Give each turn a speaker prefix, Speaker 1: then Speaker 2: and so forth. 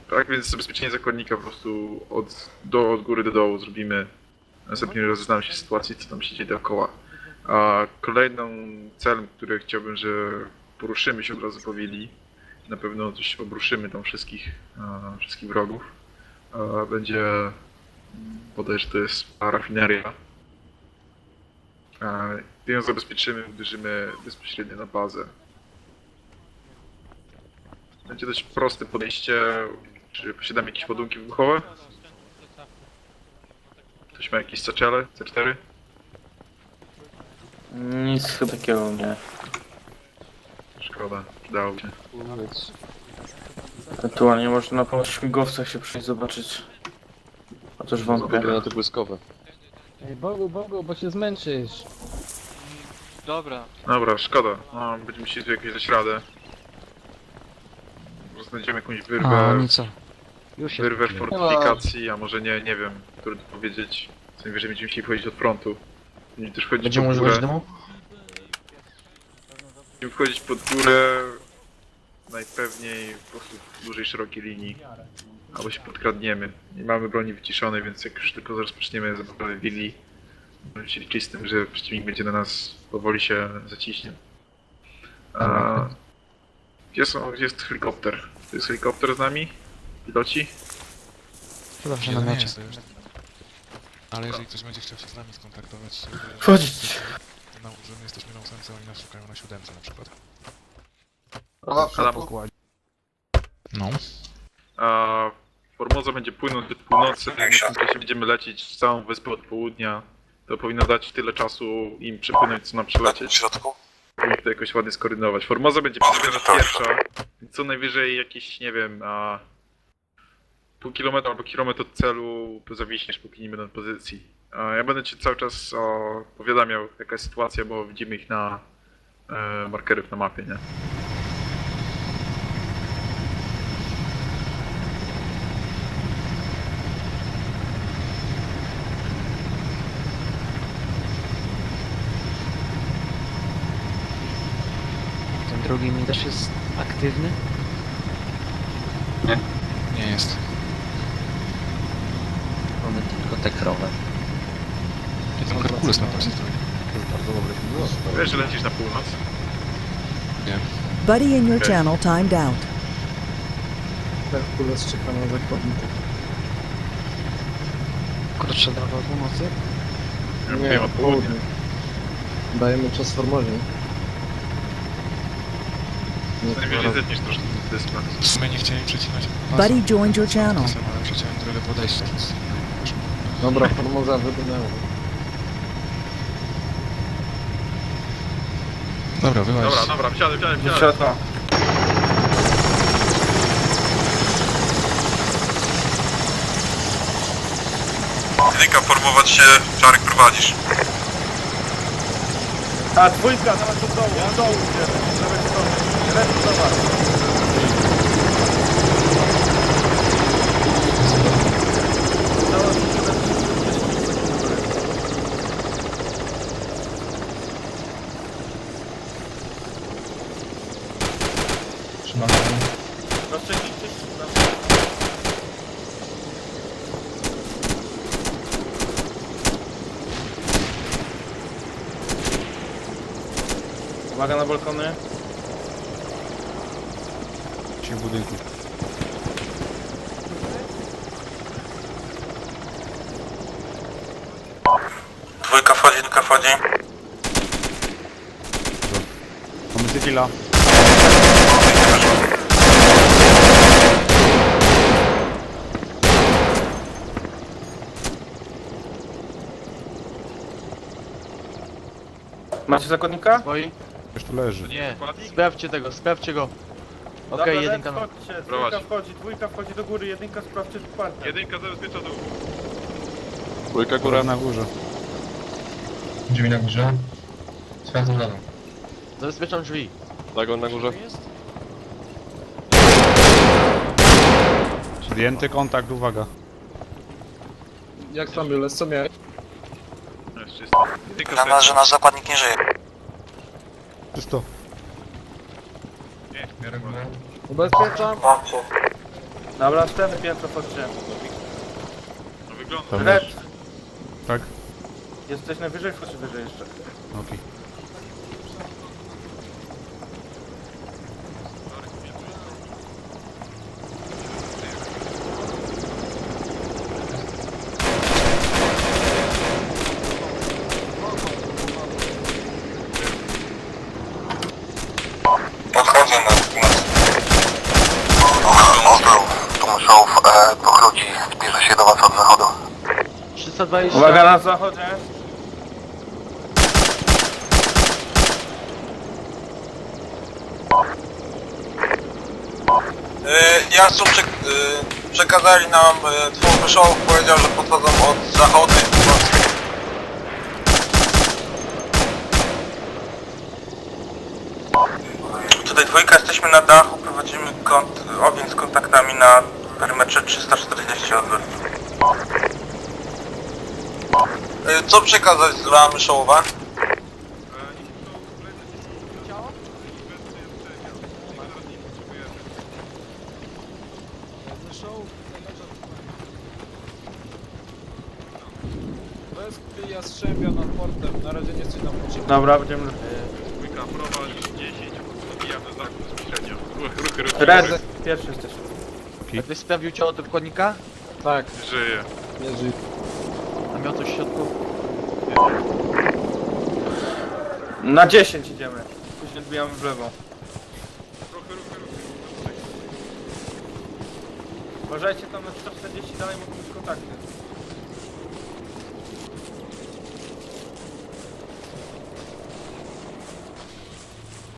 Speaker 1: Tak więc zabezpieczenie zakładnika po prostu od góry do dołu zrobimy. Następnie rozeznamy się z sytuacji, co tam się dzieje dookoła. A kolejną celem, który chciałbym, że poruszymy się od razu po willi, na pewno coś obruszymy tam wszystkich wrogów, będzie bodajże to jest rafineria. Gdy ją zabezpieczymy, uderzymy bezpośrednio na bazę. Będzie dość proste podejście. Czy posiadamy jakieś ładunki wybuchowe? Ktoś ma jakieś saczele? C4?
Speaker 2: Nic chyba takiego nie.
Speaker 1: Szkoda, przydałoby się.
Speaker 2: Ewentualnie można po śmigłowcach się przyjść zobaczyć. Chociaż wątpię.
Speaker 3: Na te błyskowe.
Speaker 4: Ej, Bogu, bo się zmęczysz.
Speaker 5: Dobra.
Speaker 1: Dobra, szkoda. No, będziemy musieli tu jakoś dać radę. Może znajdziemy jakąś wyrwę,
Speaker 5: co? Już się
Speaker 1: wyrwę w fortyfikacji, a może nie wiem, trudno powiedzieć. Co najwyżej będziemy musieli wchodzić od frontu. Będziemy też wchodzić
Speaker 6: Będziemy
Speaker 1: pod
Speaker 6: używać
Speaker 1: górę.
Speaker 6: dymu?
Speaker 1: Będziemy wchodzić pod górę, najpewniej po prostu w dużej, szerokiej linii. Albo się podkradniemy. Nie mamy broni wyciszonej, więc jak już tylko rozpoczniemy zabawę willi, będziemy się liczyć z tym, że przeciwnik będzie na nas powoli się zaciśnie. Gdzie jest helikopter? To jest helikopter z nami? Piloci?
Speaker 5: Chyba, że
Speaker 7: Nie,
Speaker 5: na
Speaker 7: no nie
Speaker 5: mecie.
Speaker 7: jest to już. Ale jeżeli ktoś będzie chciał się z nami skontaktować,
Speaker 2: Wchodzić!
Speaker 7: to że my jesteśmy na 8, oni nas szukają na 7 na przykład.
Speaker 1: Adamo?
Speaker 7: No.
Speaker 1: Formosa będzie płynąć do północy, w tym czasie będziemy lecieć całą wyspę od południa. To powinno dać tyle czasu im przepłynąć, co nam przelecieć.
Speaker 8: W środku?
Speaker 1: I to jakoś ładnie skoordynować. Formosa będzie teraz pierwsza, więc co najwyżej jakieś, nie wiem, pół kilometra albo kilometr od celu zawiśniesz, póki nie będę na pozycji. Ja będę cię cały czas powiadamiał, jaka jest sytuacja, bo widzimy ich na markerów na mapie, nie?
Speaker 5: Ten drugi mi też jest aktywny.
Speaker 7: Nie jest.
Speaker 6: Mamy tylko te krowy.
Speaker 7: I tam Herkules na plaży stoi.
Speaker 1: Wiesz, że lecisz na północ?
Speaker 7: Nie.
Speaker 9: Buddy in your
Speaker 1: Okay.
Speaker 9: channel timed out.
Speaker 4: Herkules czeka na zakładników.
Speaker 5: Krótsza droga od północy.
Speaker 1: Ja wiem, od południa.
Speaker 4: Dajemy czas Formozie.
Speaker 1: Co najwyżej zetniesz troszkę dyspla.
Speaker 7: W sumie nie chciałem przecinać pasu.
Speaker 9: Buddy joined your channel.
Speaker 7: Czasem, ale przeciąłem drogę podejścia, więc...
Speaker 4: Dobra, Formoza wydynęła.
Speaker 7: Dobra, wyłaź.
Speaker 1: Dobra, wsiadaj.
Speaker 2: Do środka.
Speaker 8: Jedynka, formować się, Czarek prowadzisz.
Speaker 2: A dwójka, nawet do dołu, do dołu idziemy. Z lewej strony. Lewy do was.
Speaker 6: Trzymamy.
Speaker 2: Rozstrzygnijcie się. Uwaga na balkony.
Speaker 3: Ci w budynku.
Speaker 8: Dwójka wchodzi, jedynka wchodzi.
Speaker 3: Mamy cywila.
Speaker 2: Macie zakładnika?
Speaker 5: Oj,
Speaker 3: Już tu leży.
Speaker 5: nie. Sprawdźcie go. Okej, jedynka na...
Speaker 2: Wchodźcie,
Speaker 1: Prowadź.
Speaker 2: dwójka wchodzi do góry, jedynka sprawdźcie partner.
Speaker 1: Jedynka zabezpiecza dół.
Speaker 3: Dwójka góra na górze.
Speaker 6: Drzwi na górze. Sprawdzam na dół.
Speaker 5: Zabezpieczam drzwi.
Speaker 3: Dagon na górze. Zdjęty kontakt, uwaga.
Speaker 4: Jak tam Jules, co miałeś?
Speaker 1: Jest czysto. Jedynka
Speaker 8: Na nas, że nasz zakładnik nie żyje.
Speaker 3: Czysto.
Speaker 1: Nie,
Speaker 4: Ubezpieczam.
Speaker 2: Dobra, następne piętro wchodźcie.
Speaker 1: No wygląda.
Speaker 3: Tam
Speaker 2: Red,
Speaker 3: masz. Tak?
Speaker 2: jesteś najwyżej, wchodź wyżej jeszcze.
Speaker 3: Okej.
Speaker 8: Podchodzę na... Tu muszą dwóch ludzi zbliża się do was od zachodu.
Speaker 5: 320.
Speaker 2: Uwaga na zachodzie.
Speaker 8: Jastrząb przekazali nam dwóch wyszołów, powiedział, że podchodzą od zachodu i północy. Tutaj dwójka, jesteśmy na dachu, prowadzimy ogień z kontaktami na perymetrze 340 odwrót. Co przekazać z Lwa Myszołowa?
Speaker 4: To jest Jastrzębia nad portem, na razie nie jesteś nam potrzebny.
Speaker 2: Dobra, będziemy...
Speaker 1: Dwójka, prowadź 10, odbijam do znaku bezpośrednio. Ruchy.
Speaker 2: Red, pierwszy jesteś.
Speaker 5: Ktoś sprawdził ciało do podnika?
Speaker 4: Tak,
Speaker 1: Żyje.
Speaker 4: nie żyj.
Speaker 5: A miał coś w środku?
Speaker 2: Na 10 idziemy. Później odbijamy w lewo. Uważajcie tam na 140, dalej mogą być kontakty.